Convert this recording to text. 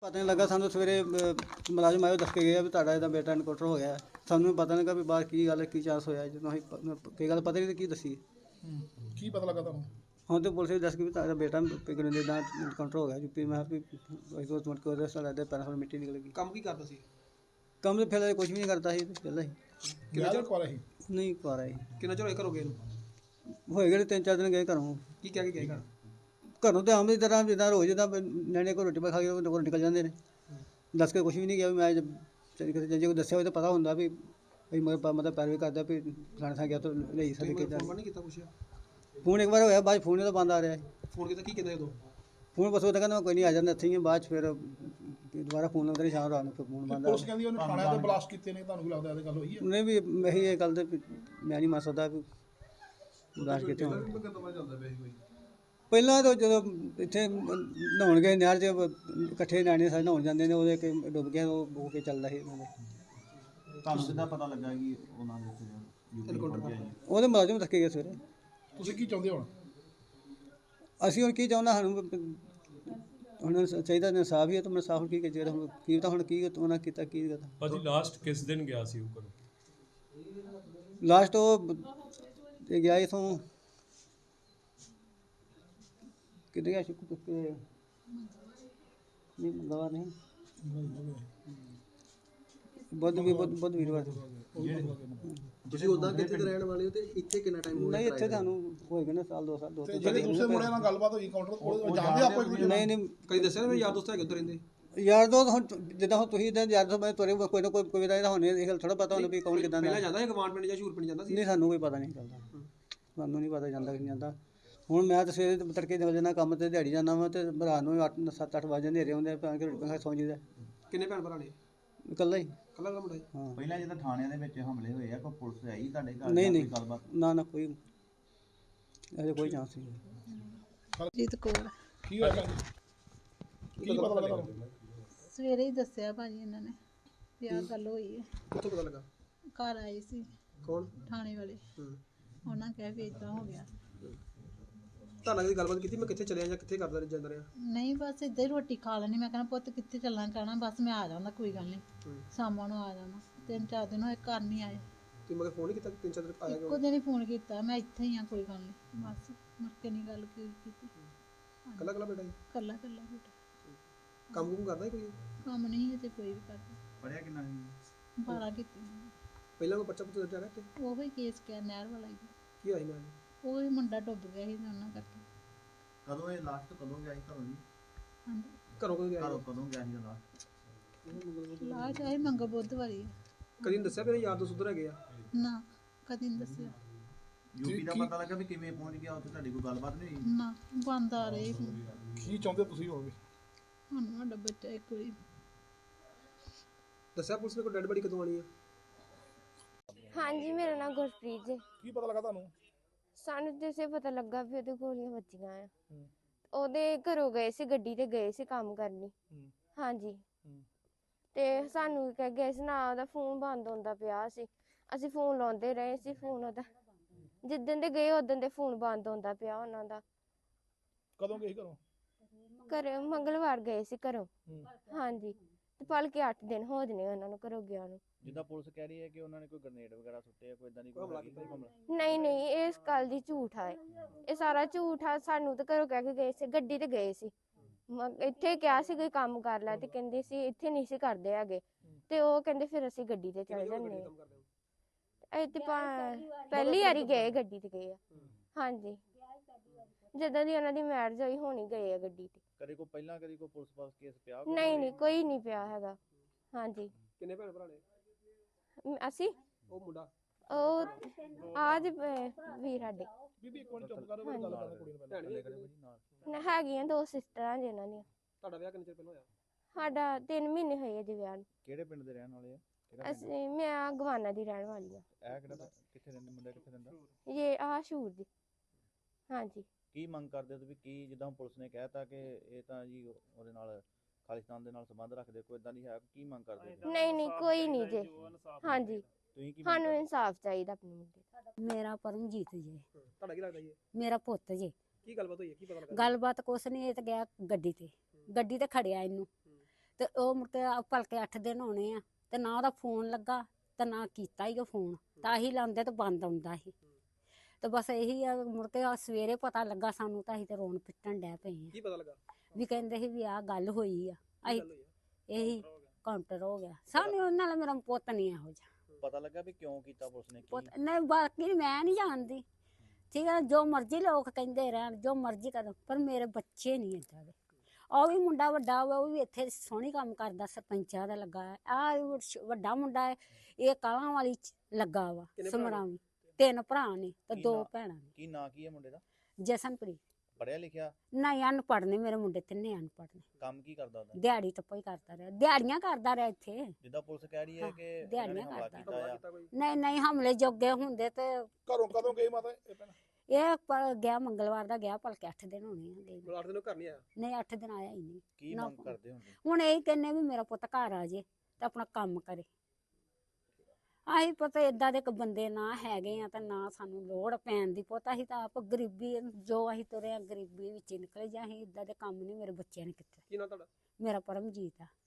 ਪਤਾ ਨਹੀਂ ਲੱਗਾ ਸਾਨੂੰ ਸਵੇਰੇ ਮੁਲਾਜ਼ਮ ਆਇਓ ਦੱਸ ਕੇ ਗਿਆ ਵੀ ਤੁਹਾਡਾ ਇਹਦਾ ਬੇਟਾ ਇਨਕਾਊਂਟਰ ਹੋ ਗਿਆ। ਸਾਨੂੰ ਪਤਾ ਨਹੀਂ ਲੱਗਾ ਵੀ ਬਾਹਰ ਕੀ ਗੱਲ ਕੀ ਚਾਂਸ ਹੋਇਆ। ਜਦੋਂ ਅਸੀਂ ਕੀ ਗੱਲ ਪਤਾ ਨਹੀਂ ਕੀ ਦੱਸੀ। ਕੀ ਪਤਾ ਲੱਗਾ ਤੁਹਾਨੂੰ? ਹੁਣ ਤੇ ਪੁਲਿਸ ਨੇ ਦੱਸ ਕੇ ਵੀ ਤੁਹਾਡਾ ਬੇਟਾ ਪਿਗਨ ਦੇ ਦਾ ਇਨਕਾਊਂਟਰ ਹੋ ਗਿਆ ਯੂਪੀ। ਮੈਂ ਵੀ ਦੋ ਮਿੰਟ ਕੋਲ ਰਸਤਾ ਲੱਗਦਾ ਪੈਰਾਂ ਤੋਂ ਮਿੱਟੀ ਨਿਕਲ ਗਈ। ਕੰਮ ਕੀ ਕਰਦਾ ਸੀ? ਕੰਮ ਤੇ ਫਿਰ ਕੁਝ ਵੀ ਨਹੀਂ ਕਰਦਾ ਸੀ ਪਹਿਲਾਂ ਹੀ। ਕਿੰਨਾ ਚਿਰ ਕੋਲ ਸੀ? ਨਹੀਂ ਕਰ ਆਈ। ਕਿੰਨਾ ਚਿਰ ਹੋਇਆ ਘਰੋਂ ਗਏ ਨੂੰ? ਹੋਏ ਗਏ 3-4 ਦਿਨ ਗਏ ਘਰੋਂ। ਕੀ ਕਹਿ ਕੇ ਗਏ ਘਰ? ਘਰੋਂ ਤੇ ਆਮ ਦੀ ਤਰ੍ਹਾਂ ਜਿੱਦਾਂ ਰੋਜ਼ ਜਿੱਦਾਂ ਨਿਆਣੇ ਕੋਲ ਰੋਟੀ ਪਾ ਖਾ ਕੇ ਘਰੋਂ ਨਿਕਲ ਜਾਂਦੇ ਨੇ। ਦੱਸ ਕੇ ਕੁਝ ਵੀ ਨਹੀਂ ਗਿਆ ਵੀ ਮੈਂ ਜੇ ਕੋਈ ਦੱਸਿਆ ਹੋਵੇ ਤਾਂ ਪਤਾ ਹੁੰਦਾ ਵੀ ਮਤਲਬ ਪੈਰਵੀ ਕਰਦਾ ਵੀ ਫਲਾਣੇ ਥਾਂ ਗਿਆ ਤਾਂ ਲਈ ਸਾਡੇ ਕੇ ਫੋਨ ਨਹੀਂ ਕੀਤਾ ਪੁੱਛਿਆ? ਫੋਨ ਇੱਕ ਵਾਰ ਹੋਇਆ ਬਾਅਦ ਫੋਨ ਤਾਂ ਬੰਦ ਆ ਰਿਹਾ। ਫੋਨ ਕੀਤਾ ਕੀ ਕਹਿੰਦਾ ਉਦੋਂ? ਫੋਨ ਬਸ ਉਹ ਤਾਂ ਕਹਿੰਦਾ ਕੋਈ ਨਹੀਂ ਆ ਜਾਂਦਾ ਇੱਥੇ ਹੀ ਬਾਅਦ 'ਚ ਫਿਰ ਦੁਬਾਰਾ ਫੋਨ ਲਾਉਂਦਾ ਨਹੀਂ ਸ਼ਾਮ ਰਾਤ ਨੂੰ ਫਿਰ ਫੋਨ ਬੰਦ ਆ। ਪੁਲਿਸ ਕਹਿੰਦੀ ਉਹਨੇ ਥਾਣਿਆਂ ਤੇ ਬਲਾਸਟ ਕੀਤੇ ਨੇ, ਤੁਹਾਨੂੰ ਕੀ ਲੱਗਦਾ ਇਹਦੇ ਗੱਲ ਹੋਈ ਹੈ? ਉਹਨੇ ਵੀ ਇਹੀ ਇਹ ਗੱਲ ਤੇ ਮੈਂ ਨਹੀਂ ਮੰਨ ਸਕਦਾ ਵੀ ਬਲਾਸਟ ਕਿਤੇ ਹੋਣ। ਪਹਿਲਾਂ ਤਾਂ ਜਦੋਂ ਇੱਥੇ ਨਹਾਉਣ ਗਏ ਨਹਿਰ 'ਚ ਇਕੱਠੇ ਨਿਆਣੇ ਸਾਰੇ ਨਹਾਉਣ ਜਾਂਦੇ ਨੇ ਉਹਦੇ ਡੁੱਬ ਗਿਆ ਉਹ ਹੋ ਕੇ ਚੱਲਦਾ ਸੀ ਉਹਨਾਂ ਦੇ। ਤੁਹਾਨੂੰ ਕਿੱਦਾਂ ਪਤਾ ਲੱਗਾ ਕਿ ਉਹਨਾਂ ਦੇ ਯੂਪੀ ਪਹੁੰਚਿਆ ਜੀ? ਉਹਦੇ ਮੁਲਾਜ਼ਮ ਥੱਕੇ ਗਏ ਸਵੇਰੇ। ਤੁਸੀਂ ਕੀ ਚਾਹੁੰਦੇ ਹੁਣ? ਅਸੀਂ ਹੁਣ ਕੀ ਚਾਹੁੰਦਾ ਸਾਨੂੰ ਹੁਣ ਚਾਹੀਦਾ ਇਨਸਾਫ ਹੀ ਹੈ ਤਾਂ ਇਨਸਾਫ ਕੀ ਜਿਹੜਾ ਹੁਣ ਕੀ ਤਾਂ ਹੁਣ ਕੀ ਉਹਨਾਂ ਕੀਤਾ ਕੀ ਕਰਤਾ। ਭਾਜੀ ਲਾਸਟ ਕਿਸ ਦਿਨ ਗਿਆ ਸੀ ਉਹ ਘਰੋਂ? ਲਾਸਟ ਉਹ ਗਿਆ ਇਥੋਂ ਕਿੱਥੇ ਗਿਆ ਸ਼ੁਕਰ ਨਹੀਂ ਮੰਗਵਾ ਨਹੀਂ ਬੁੱਧ ਵੀਰਵਾਰ। ਤੁਸੀਂ ਉਦਾਂ ਕਿੱਥੇ ਦੇ ਰਹਿਣ ਵਾਲੇ ਹੋ ਤੇ ਇੱਥੇ ਕਿੰਨਾ ਟਾਈਮ ਹੋ ਗਿਆ? ਨਹੀਂ ਇੱਥੇ ਤੁਹਾਨੂੰ ਹੋਏਗਾ ਨਾ ਸਾਲ 2 ਸਾਲ ਤੇ ਜਿਹੜੇ ਦੂਸਰੇ ਮੁੰਡਿਆਂ ਨਾਲ ਗੱਲਬਾਤ ਹੋਈ ਕਾਊਂਟਰ ਕੋਲ, ਜਾਣਦੇ ਆਪੋ ਇੱਕ ਦੂਜੇ ਨੂੰ? ਨਹੀਂ ਕਦੀ ਦੱਸਿਆ ਨਾ ਮੇਰੇ ਯਾਰ ਦੋਸਤ ਹੈਗੇ ਉੱਧਰ ਰਹਿੰਦੇ? ਯਾਰ ਦੋ ਹੁਣ ਜਿੱਦਾਂ ਹੁਣ ਤੁਸੀਂ ਇਦਾਂ ਯਾਰ ਦੋ ਮੈਂ ਤੁਹਾਡੇ ਕੋਈ ਨਾ ਕੋਈ ਦਾ ਹੋਣੇ ਇਹ ਗੱਲ ਥੋੜਾ ਪਤਾ ਹੁੰਦਾ ਵੀ ਕੌਣ ਕਿਦਾਂ ਦਾ। ਪਹਿਲਾਂ ਜਾਂਦਾ ਸੀ ਗਵਾਂਡ ਪਿੰਡ ਜਾਂ ਸ਼ੂਰ ਪਿੰਡ ਜਾਂਦਾ ਸੀ? ਨਹੀਂ ਸਾਨੂੰ ਕੋਈ ਪਤਾ ਨਹੀਂ ਚੱਲਦਾ। ਸਾਨੂੰ ਨਹੀਂ ਪਤਾ ਜਾਂਦਾ ਕਿ ਨਹੀਂ ਜਾਂਦਾ। ਹੁਣ ਮੈਂ ਤਾਂ ਸਵੇਰੇ ਤੜਕੇ ਨਿਕਲ ਜਾਂਦਾ ਕੰਮ ਤੇ ਦਿਹਾੜੀ ਜਾਂਦਾ ਵਾ ਤੇ ਰਾਤ ਨੂੰ 7-8 ਵਜੇ ਹਨੇਰੇ ਹੁੰਦੇ ਪਾ ਕੇ ਰੋਟੀ ਖਾ ਸੌਂ ਜੀਦਾ। ਕਿੰਨੇ ਭੈਣ ਭਰਾ ਨੇ? ਇਕੱਲਾ ਹੀ। ਕੱਲਾ ਕੱਲਾ ਮੁੰਡਾ? ਹਾਂ ਪਹਿਲਾਂ ਜਦੋਂ ਥਾਣਿਆਂ ਦੇ ਵਿੱਚ ਹਮਲੇ ਹੋਏ ਆ ਕੋਈ ਪੁਲਿਸ ਆਈ ਤੁਹਾਡੇ ਘਰ? ਨਹੀਂ ਜਾਂ ਨਹੀਂ ਕੋਈ ਗੱਲਬਾਤ? ਨਾ ਕੋਈ ਅਜੇ ਕੋਈ ਚਾਂਸ ਨਹੀਂ। ਜੀਤ ਕੌਰ। ਕੀ ਹੋਇਆ ਭੈਣ ਜੀ? ਕੀ ਪਤਾ ਲੱਗਾ ਤੁਹਾਨੂੰ? ਸਵੇਰੇ ਹੀ ਦੱਸਿਆ ਭਾਜੀ ਇਹਨਾਂ ਨੇ ਵੀ ਆਹ ਗੱਲ ਹੋਈ ਹੈ। ਕਿੱਥੋਂ ਪਤਾ ਲੱਗਾ? ਘਰ ਆਏ ਸੀ ਕੌਣ? ਥਾਣੇ ਵਾਲੇ। ਉਹਨਾਂ ਕਹਿ ਵੀ ਏਦਾਂ ਹੋ ਗਿਆ। ਤੁਹਾਨੂੰ ਕਦੀ ਗੱਲਬਾਤ ਕੀਤੀ ਮੈਂ ਕਿੱਥੇ ਚਲਿਆ ਜਾਂ ਕਿੱਥੇ ਕਰਦਾ ਜਾਂਦਾ ਰਿਹਾ? ਨਹੀਂ ਬਸ ਇੱਦਾਂ ਹੀ ਰੋਟੀ ਖਾ ਲੈਣੀ। ਮੈਂ ਕਹਿੰਦਾ ਪੁੱਤ ਕਿੱਥੇ ਚੱਲਣਾ ਕਹਿਣਾ ਬਸ ਮੈਂ ਆ ਜਾਂਦਾ ਕੋਈ ਗੱਲ ਨਹੀਂ ਸ਼ਾਮਾਂ ਨੂੰ ਆ ਜਾਣਾ। 3-4 ਦਿਨ ਹੋਏ ਘਰ ਨਹੀਂ ਆਏ। ਤੁਸੀਂ ਮਗਰ ਫੋਨ ਨਹੀਂ ਕੀਤਾ? 3-4 ਦਿਨ ਆਇਆ ਇੱਕੋ ਦਿਨ ਹੀ ਫੋਨ ਕੀਤਾ ਮੈਂ ਇੱਥੇ ਹੀ ਆ ਕੋਈ ਗੱਲ ਨਹੀਂ ਬਸ ਮੁੜ ਕੇ ਨਹੀਂ ਗੱਲ ਕੀਤੀ। ਕੱਲਾ ਕੱਲਾ ਬੇਟਾ ਜੀ? ਕੱਲਾ ਕੱਲਾ ਬੇਟਾ ਕੰਮ ਕੁਮ ਕਰਦਾ ਕੋਈ? ਕੰਮ ਨਹੀਂ ਹੈ ਤੇ ਕੋਈ ਵੀ ਕਰਦਾ। ਪੜਿਆ ਕਿੰਨਾ ਸੀ? 12 ਕੀਤੀ ਪਹਿਲਾਂ ਕੋਈ ਬੱਚਾ ਪੁੱਤ ਦਰਜਾ ਰਿਹਾ ਤੇ ਉਹ ਹੀ ਕੇਸ ਕਿਆ ਨਹਿਰ ਵਾਲਾ ਹੀ। ਕੀ ਹੋਇਆ ਸੀ ਨਾਲ? ਉਹ ਹੀ ਮੁੰਡਾ ਡੁੱਬ ਗਿਆ ਸੀ ਤੇ ਉਹਨਾਂ ਕਰਕੇ। ਕਦੋਂ ਇਹ ਲਾਸਟ ਕਦੋਂ ਗਿਆ ਸੀ ਘਰੋਂ ਜੀ? ਹਾਂਜੀ ਘਰੋਂ ਕਦੋਂ ਗਿਆ? ਘਰੋਂ ਕਦੋਂ ਗਿਆ ਸੀ ਲਾਸਟ? ਲਾ ਚਾਹੇ ਮੰਗਾ ਬੁੱਧਵਾਰੀ। ਕਦੀ ਨਹੀਂ ਦੱਸਿਆ ਮੇਰੇ ਯਾਰ ਦੋਸਤ ਉੱਧਰ ਹੈਗੇ ਆ? ਨਾ ਕਦੀ ਨਹੀਂ ਦੱਸਿਆ। ਯੂਪੀ ਦਾ ਪਤਾ ਲੱਗਾ ਵੀ ਕਿਵੇਂ ਪਹੁੰਚ ਗਿਆ ਉੱਥੇ? ਤੁਹਾਡੀ ਕੋਈ ਗੱਲਬਾਤ ਨਹੀਂ ਹੋਈ? ਨਾ ਬੰਦ ਆ ਰਹੇ ਕੀ ਚਾਹੁੰਦੇ ਤੁਸੀਂ ਹੋਵੇ? ਹੁਣ ਸਾਡਾ ਬੱਚਾ ਇੱਕ ਵਾਰੀ। ਦੱਸਿਆ ਪੁਲਿਸ ਨੇ ਕੋਈ ਡੈਡ ਬੜੀ ਕਦੋਂ ਆਣੀ ਆ? ਹਾਂਜੀ ਮੇਰਾ ਨਾਮ ਗੁਰਪ੍ਰੀਤ ਜੀ। ਕੀ ਪਤਾ ਲੱਗਾ ਤੁਹਾਨੂੰ? ਸਾਨੂੰ ਜਿਸੇ ਪਤਾ ਲੱਗਾ ਵੀ ਉਹਦੇ ਗੋਲੀਆਂ ਵੱਜੀਆਂ ਆ। ਉਹਦੇ ਘਰੋਂ ਗਏ ਸੀ, ਗੱਡੀ ਤੇ ਗਏ ਸੀ ਕੰਮ ਕਰਨੀ। ਹਾਂਜੀ ਤੇ ਸਾਨੂੰ ਕਹਿ ਗਏ ਸੀ ਨਾ ਉਹਦਾ ਫੋਨ ਬੰਦ ਹੁੰਦਾ ਪਿਆ ਸੀ। ਅਸੀਂ ਫੋਨ ਲਾਉਂਦੇ ਰਹੇ ਸੀ। ਫੋਨ ਉਹਦਾ ਜਿੱਦਣ ਦੇ ਗਏ ਉਦੋਂ ਦੇ ਫੋਨ ਬੰਦ ਹੁੰਦਾ ਪਿਆ ਉਹਨਾਂ ਦਾ। ਕਦੋਂ ਗਏ ਸੀ ਘਰੋਂ? ਘਰੇ ਮੰਗਲਵਾਰ ਗਏ ਸੀ ਘਰੋਂ। ਹਾਂਜੀ ਤੇ ਭਲਕੇ 8 ਦਿਨ ਹੋ ਜਨੇ ਉਹਨਾਂ ਨੂੰ ਘਰੋਂ ਗਿਆ ਨੂੰ। ਜਿੱਦਾਂ ਪੁਲਿਸ ਕਹਿ ਰਹੀ ਹੈ ਕਿ ਉਹਨਾਂ ਨੇ ਕੋਈ ਗ੍ਰਨੇਡ ਵਗੈਰਾ ਸੁੱਟੇ ਆ, ਕੋਈ ਇਦਾਂ ਦੀ ਕੋਈ ਹਮਲਾ? ਨਹੀਂ ਇਸ ਗੱਲ ਦੀ ਝੂਠ ਆ। ਇਹ ਸਾਰਾ ਝੂਠ ਆ। ਸਾਨੂੰ ਤਾਂ ਘਰੋਂ ਕਹਿ ਕੇ ਗਏ ਸੀ ਗੱਡੀ ਤੇ ਗਏ ਸੀ। ਇੱਥੇ ਕਿਹਾ ਸੀ ਕੋਈ ਕੰਮ ਕਰ ਲੈ ਤੇ ਕਹਿੰਦੇ ਸੀ ਇੱਥੇ ਨਹੀਂ ਸੀ ਕਰਦੇ ਹੈਗੇ ਤੇ ਉਹ ਕਹਿੰਦੇ ਫਿਰ ਅਸੀਂ ਗੱਡੀ ਤੇ ਚਲੇ ਜਾਂਦੇ ਆ। ਇੱਥੇ ਪਹਿਲੀ ਵਾਰੀ ਗਏ ਗੱਡੀ ਤੇ ਗਏ ਆ। ਹਾਂਜੀ ਜਦੋਂ ਦੀ ਉਹਨਾਂ ਦੀ ਮੈਰਿਜ ਹੋਈ ਹੋਣੀ ਗਏ ਆ ਗੱਡੀ ਤੇ। ਕਦੇ ਕੋਈ ਪਹਿਲਾਂ ਕਦੀ ਕੋਈ ਪੁਲਿਸ ਪਾਸ ਕੇਸ ਪਿਆ? ਨਹੀਂ ਕੋਈ ਨਹੀਂ ਪਿਆ ਹੈਗਾ। ਹਾਂਜੀ ਕਿੰਨੇ ਭੈਣ ਭਰਾ ਨੇ? ਅਸੀਂ ਉਹ ਮੁੰਡਾ ਉਹ ਆਜ ਵੀਰ ਸਾਡੇ ਬੀਬੀ ਇੱਕ ਮਿੰਟ ਚੁੱਪ ਕਰੋ, ਮੇਰੀ ਗੱਲ ਕਰਨ ਕੁੜੀ ਨੂੰ ਪਹਿਲਾਂ। ਹੈਗੀਆਂ 2 ਸਿਸਟਰਾਂ ਜਿਨ੍ਹਾਂ ਦੀਆਂ। ਤੁਹਾਡਾ ਵਿਆਹ ਕਿੰਨੇ ਚਿਰ ਪਹਿਲਾਂ ਹੋਇਆ? ਸਾਡਾ 3 ਮਹੀਨੇ ਹੋਏ ਜੀ ਵਿਆਹ ਨੂੰ। ਕਿਹੜੇ ਪਿੰਡ ਦੇ ਰਹਿਣ ਵਾਲੇ ਆ? ਅਸੀਂ ਮੈਂ ਗਵਾਨਾ ਦੀ ਰਹਿਣ ਵਾਲੀ ਆ। ਇਹ ਕਿਹੜਾ ਕਿੱਥੇ ਰਹਿੰਦੇ ਮੁੰਡਾ? ਕਿੱਥੇ ਰਹਿੰਦਾ? ਇਹ ਸ਼ੂਰ ਦੀ। ਹਾਂਜੀ ਕੀ ਮੰਗ ਕਰਦੇ ਹੋ ਤੁਸੀਂ? ਕੀ ਜਿੱਦਾਂ ਪੁਲਿਸ ਨੇ ਕਹਿਤਾ ਕਿ ਇਹ ਤਾਂ ਜੀ ਉਹਦੇ ਨਾਲ ਖਾਲਿਸਤਾਨ ਦੇ ਨਾਲ ਸੰਬੰਧ ਰੱਖਦੇ, ਕੋਈ ਇਦਾਂ ਦੀ ਹੈ? ਕੀ ਮੰਗ ਕਰਦੇ ਹੋ? ਨਹੀਂ ਕੋਈ ਨਹੀਂ ਜੀ। ਹਾਂਜੀ ਤੁਸੀਂ ਕੀ ਸਾਨੂੰ ਇਨਸਾਫ ਚਾਹੀਦਾ ਆਪਣੇ ਮੁੰਡੇ ਦਾ। ਮੇਰਾ ਪਰਮਜੀਤ ਜੀ। ਤੁਹਾਡਾ ਕੀ ਲੱਗਦਾ ਜੀ? ਮੇਰਾ ਪੁੱਤ ਜੀ। ਕੀ ਗੱਲਬਾਤ ਹੋਈ ਹੈ? ਕੀ ਪਤਾ ਲੱਗਾ? ਗੱਲਬਾਤ ਕੁਛ ਨਹੀਂ, ਇਹ ਤਾਂ ਗਿਆ ਗੱਡੀ ਤੇ ਖੜਿਆ ਇਹਨੂੰ ਤੇ ਉਹ ਮੁੜ ਕੇ ਭਲਕੇ 8 ਦਿਨ ਹੋਣੇ ਆ ਤੇ ਨਾ ਉਹਦਾ ਫੋਨ ਲੱਗਾ ਤੇ ਨਾ ਕੀਤਾ ਹੀ ਉਹ ਫੋਨ, ਤਾਂ ਹੀ ਲਾਉਂਦੇ ਤੇ ਬੰਦ ਆਉਂਦਾ ਸੀ। ਤੇ ਬਸ ਇਹੀ ਆ, ਮੁੜ ਕੇ ਸਵੇਰੇ ਪਤਾ ਲੱਗਾ ਸਾਨੂੰ ਤਾਂ ਅਸੀਂ ਤੇ ਰੋਣ ਪਿੱਟਣ ਡੈ ਪਏ ਆ। ਕੀ ਪਤਾ ਲੱਗਾ? ਵੀ ਕਹਿੰਦੇ ਸੀ ਵੀ ਆਹ ਗੱਲ ਹੋਈ ਆ, ਕੀ ਅਸੀਂ ਗੱਲ ਹੋਈ ਆ? ਇਹੀ ਕਾਊਂਟਰ ਹੋ ਗਿਆ ਸਾਨੂੰ। ਉਹਨਾਂ ਨਾਲ ਮੇਰਾ ਪੁੱਤ ਨਹੀਂ ਇਹੋ ਜਿਹਾ ਪਤਾ ਲੱਗਾ ਵੀ ਕਿਉਂ ਕੀਤਾ ਪੁਲਿਸ ਨੇ, ਪੁੱਤ ਕੀ ਨਹੀਂ, ਬਾਕੀ ਮੈਂ ਨਹੀਂ ਜਾਣਦੀ, ਠੀਕ ਹੈ, ਜੋ ਮਰਜ਼ੀ ਲੋਕ ਕਹਿੰਦੇ ਰਹਿਣ, ਜੋ ਮਰਜ਼ੀ ਕਰਨ, ਪਰ ਮੇਰੇ ਬੱਚੇ ਨਹੀਂ ਏਦਾਂ ਦੇ। ਉਹ ਵੀ ਮੁੰਡਾ ਵੱਡਾ ਵਾ, ਉਹ ਵੀ ਇੱਥੇ ਸੋਹਣੀ ਕੰਮ ਕਰਦਾ, ਸਰਪੰਚਾਂ ਦਾ ਲੱਗਾ ਹੈ। ਆਹ ਵੱਡਾ ਮੁੰਡਾ ਹੈ, ਇਹ ਕਾਲਾਂ ਵਾਲੀ ਚ ਲੱਗਾ ਵਾ, ਕਿੰਨੇ ਭਰਾ ਨੇ? ਸਮਰਾਵੀ। 3 ਭਰਾ ਨੇ ਤੇ ਕੀ 2 ਨਾਂ? ਭੈਣਾਂ ਨੇ। ਕੀ ਨਾਂ ਕੀ ਹੈ ਮੁੰਡੇ ਦਾ? ਜਸਨਪ੍ਰੀਤ। ਪੜਿਆ ਲਿਖਿਆ? ਨਹੀਂ, ਅਨਪੜ੍ਹ ਨੇ ਮੇਰੇ ਮੁੰਡੇ, 3 ਅਨਪੜ੍ਹ ਨੇ। ਕੰਮ ਕੀ ਕਰਦਾ ਉਹਦਾ? ਦਿਹਾੜੀ ਟੱਪਾ ਹੀ ਕਰਦਾ ਰਿਹਾ, ਦਿਹਾੜੀਆਂ ਕਰਦਾ ਰਿਹਾ ਇੱਥੇ। ਜਿੱਦਾਂ ਪੁਲਿਸ ਕਹਿ ਰਹੀ ਹੈ ਹਾਂ, ਕਿ ਇਹਨਾਂ ਨੇ ਦਿਹਾੜੀਆਂ ਹਮਲਾ ਕਰਦਾ। ਕੀਤਾ ਆ। ਕੋਈ ਨਹੀਂ ਨਹੀਂ, ਹਮਲੇ ਜੋਗੇ ਹੁੰਦੇ ਤੇ ਘਰੋਂ ਕਦੋਂ ਗਈ ਮਾਤਾ ਇਹ ਭੈਣ? ਇਹ ਗਿਆ ਮੰਗਲਵਾਰ ਦਾ ਗਿਆ, ਭਲਕੇ 8 ਦਿਨ ਹੋਣੇ ਆ ਗਏ ਨੂੰ। ਮਲਾਟ ਦੇ ਘਰ ਨਹੀਂ ਆਇਆ? ਨਹੀਂ, 8 ਦਿਨ ਆਇਆ ਹੀ ਨਹੀਂ। ਕੀ ਨਾ ਮੰਗ ਫੋਨ। ਕਰਦੇ ਹੁੰਦੇ? ਹੁਣ ਇਹ ਕਹਿੰਨੇ ਵੀ ਮੇਰਾ ਪੁੱਤ ਘਰ ਆ ਜੇ ਤੇ ਆਪਣਾ ਕੰਮ ਕਰੇ। ਆਹੀ ਪਤਾ ਏਦਾਂ ਦੇ ਇੱਕ ਬੰਦੇ ਨਾ ਹੈਗੇ ਆ, ਤਾਂ ਨਾ ਸਾਨੂੰ ਲੋੜ ਪੈਣ ਦੀ। ਪੁੱਤ ਅਸੀਂ ਤਾਂ ਆਪ ਗਰੀਬੀ, ਜੋ ਅਸੀਂ ਤੁਰੇ ਆ ਗਰੀਬੀ ਵਿੱਚ ਹੀ ਨਿਕਲੇ, ਜਾਂ ਅਸੀਂ ਏਦਾਂ ਦੇ ਕੰਮ ਨਹੀਂ ਮੇਰੇ ਬੱਚਿਆਂ ਨੇ ਕੀਤੇ। ਕੀ ਨਾਂ ਤੁਹਾਡਾ? ਮੇਰਾ ਪਰਮਜੀਤ ਆ।